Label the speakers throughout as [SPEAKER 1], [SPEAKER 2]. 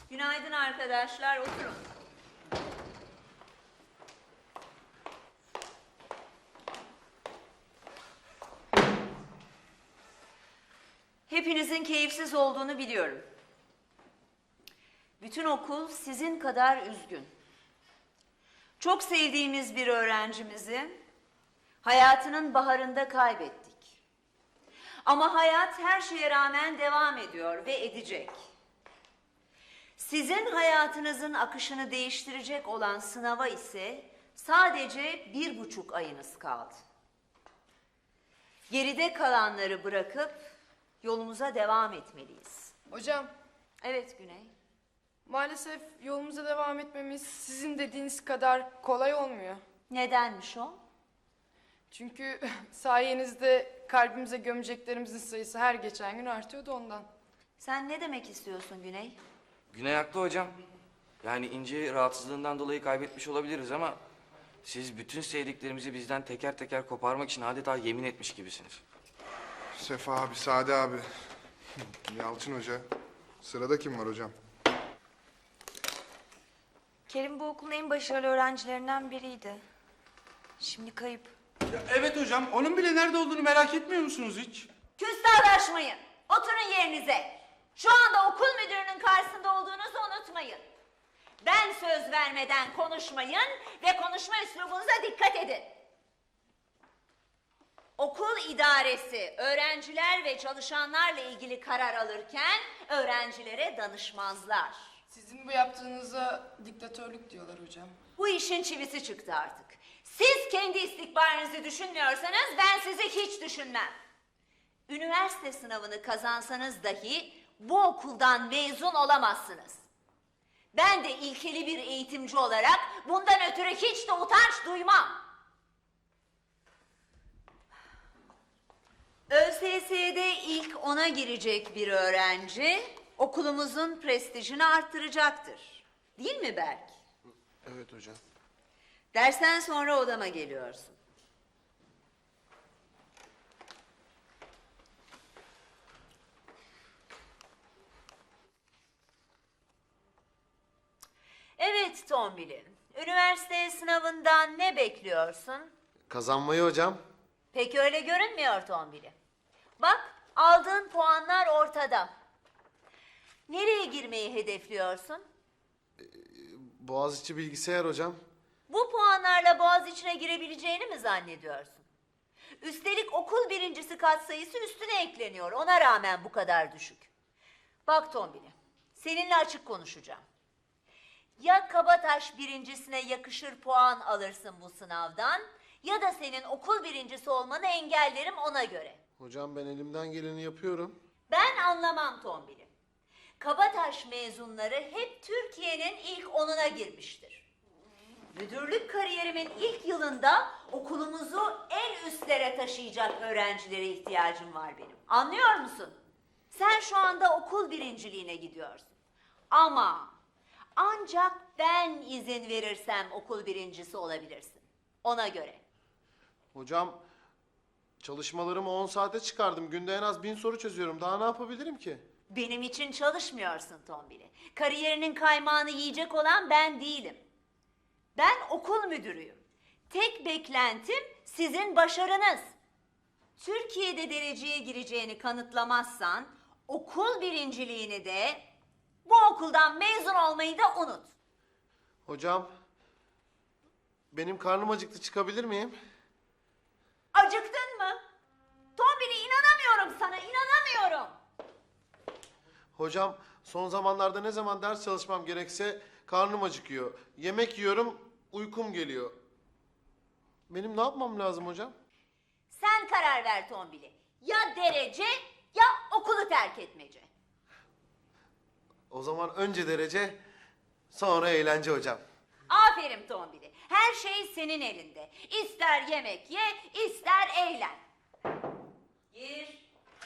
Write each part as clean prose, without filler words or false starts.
[SPEAKER 1] Günaydın arkadaşlar, oturun. Hepinizin keyifsiz olduğunu biliyorum. Bütün okul sizin kadar üzgün. Çok sevdiğimiz bir öğrencimizi hayatının baharında kaybettik. Ama hayat her şeye rağmen devam ediyor ve edecek. Sizin hayatınızın akışını değiştirecek olan sınava ise sadece 1,5 ayınız kaldı. Geride kalanları bırakıp yolumuza devam etmeliyiz.
[SPEAKER 2] Hocam,
[SPEAKER 1] Evet Güney.
[SPEAKER 2] maalesef yolumuza devam etmemiz sizin dediğiniz kadar kolay olmuyor.
[SPEAKER 1] Nedenmiş o?
[SPEAKER 2] Çünkü sayenizde kalbimize gömeceklerimizin sayısı her geçen gün artıyordu ondan.
[SPEAKER 1] Sen ne demek istiyorsun Güney?
[SPEAKER 3] Güney haklı hocam. Yani İnci rahatsızlığından dolayı kaybetmiş olabiliriz ama siz bütün sevdiklerimizi bizden teker teker koparmak için adeta yemin etmiş gibisiniz.
[SPEAKER 4] Sefa abi, Sade abi. Yalçın Hoca. Sırada kim var hocam?
[SPEAKER 5] Kerim bu okulun en başarılı öğrencilerinden biriydi. Şimdi kayıp.
[SPEAKER 6] Ya evet hocam, onun bile nerede olduğunu merak etmiyor musunuz hiç?
[SPEAKER 1] Küstahlaşmayın. Oturun yerinize. Şu anda okul müdürünün karşısında olduğunuzu unutmayın. Ben söz vermeden konuşmayın ve konuşma üslubunuza dikkat edin. Okul idaresi öğrenciler ve çalışanlarla ilgili karar alırken öğrencilere danışmazlar.
[SPEAKER 2] Sizin bu yaptığınıza diktatörlük diyorlar hocam.
[SPEAKER 1] Bu işin çivisi çıktı artık. Siz kendi istikbalinizi düşünmüyorsanız ben sizi hiç düşünmem. Üniversite sınavını kazansanız dahi bu okuldan mezun olamazsınız. Ben de ilkeli bir eğitimci olarak bundan ötürü hiç de utanç duymam. ÖSS'de ilk 10'a girecek bir öğrenci okulumuzun prestijini arttıracaktır. Değil mi Berk?
[SPEAKER 4] Evet hocam.
[SPEAKER 1] Dersten sonra odama geliyorsun. Evet Tombili, üniversite sınavından ne bekliyorsun?
[SPEAKER 7] Kazanmayı hocam.
[SPEAKER 1] Pek öyle görünmüyor Tombili. Bak, aldığın puanlar ortada. Nereye girmeyi hedefliyorsun?
[SPEAKER 7] Boğaziçi bilgisayar hocam.
[SPEAKER 1] Bu puanlarla Boğaziçi'ne girebileceğini mi zannediyorsun? Üstelik okul birincisi katsayısı üstüne ekleniyor. Ona rağmen bu kadar düşük. Bak Tombili, seninle açık konuşacağım. Ya Kabataş birincisine yakışır puan alırsın bu sınavdan ya da senin okul birincisi olmanı engellerim ona göre.
[SPEAKER 7] Hocam ben elimden geleni yapıyorum.
[SPEAKER 1] Ben anlamam Tombili. Kabataş mezunları hep Türkiye'nin ilk 10'una girmiştir. Müdürlük kariyerimin ilk yılında okulumuzu en üstlere taşıyacak öğrencilere ihtiyacım var benim. Anlıyor musun? Sen şu anda okul birinciliğine gidiyorsun. Ama ancak ben izin verirsem okul birincisi olabilirsin. Ona göre.
[SPEAKER 7] Hocam çalışmalarımı 10 saate çıkardım. Günde en az 1000 soru çözüyorum. Daha ne yapabilirim ki?
[SPEAKER 1] Benim için çalışmıyorsun Tombili. Kariyerinin kaymağını yiyecek olan ben değilim. Ben okul müdürüyüm. Tek beklentim sizin başarınız. Türkiye'de dereceye gireceğini kanıtlamazsan okul birinciliğini de bu okuldan mezun olmayı da unut.
[SPEAKER 7] Hocam benim karnım acıktı, çıkabilir miyim?
[SPEAKER 1] Acıktın mı? Tombili inanamıyorum sana, inanamıyorum.
[SPEAKER 7] Hocam son zamanlarda ne zaman ders çalışmam gerekse karnım acıkıyor. Yemek yiyorum, uykum geliyor. Benim ne yapmam lazım hocam?
[SPEAKER 1] Sen karar ver Tombili. Ya derece ya okulu terk etmece.
[SPEAKER 7] O zaman önce derece, sonra eğlence hocam.
[SPEAKER 1] Aferin Tombili. Her şey senin elinde. İster yemek ye, ister eğlen. Gir.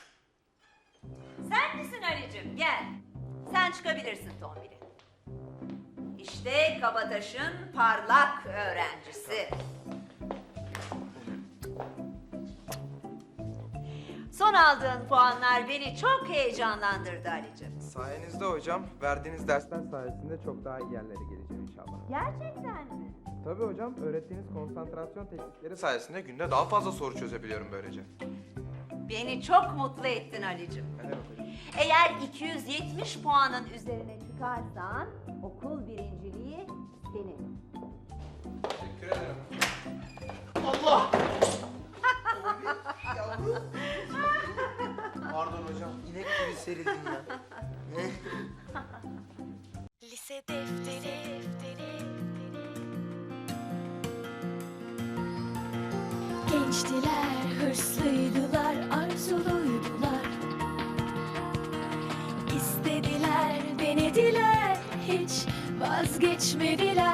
[SPEAKER 1] Sen misin Ali'cim? Gel. Sen çıkabilirsin Tombili. İşte Kabataş'ın parlak öğrencisi. Son aldığın puanlar beni çok heyecanlandırdı Ali'cim.
[SPEAKER 8] Sayenizde hocam, verdiğiniz dersler sayesinde çok daha iyi yerlere geleceğim inşallah.
[SPEAKER 1] Gerçekten mi?
[SPEAKER 8] Tabii hocam, öğrettiğiniz konsantrasyon teknikleri sayesinde günde daha fazla soru çözebiliyorum böylece.
[SPEAKER 1] Beni çok mutlu ettin Ali'cim.
[SPEAKER 8] Ne demek hocam?
[SPEAKER 1] Eğer 270 puanın üzerine çıkarsan okul birinciliği senin.
[SPEAKER 8] Teşekkür ederim.
[SPEAKER 7] Allah! Pardon hocam.
[SPEAKER 8] İnek gibi serildin ya.
[SPEAKER 9] Lise defteri. Gençtiler, hırslıydılar, arzuluydular. İstediler, denediler, hiç vazgeçmediler.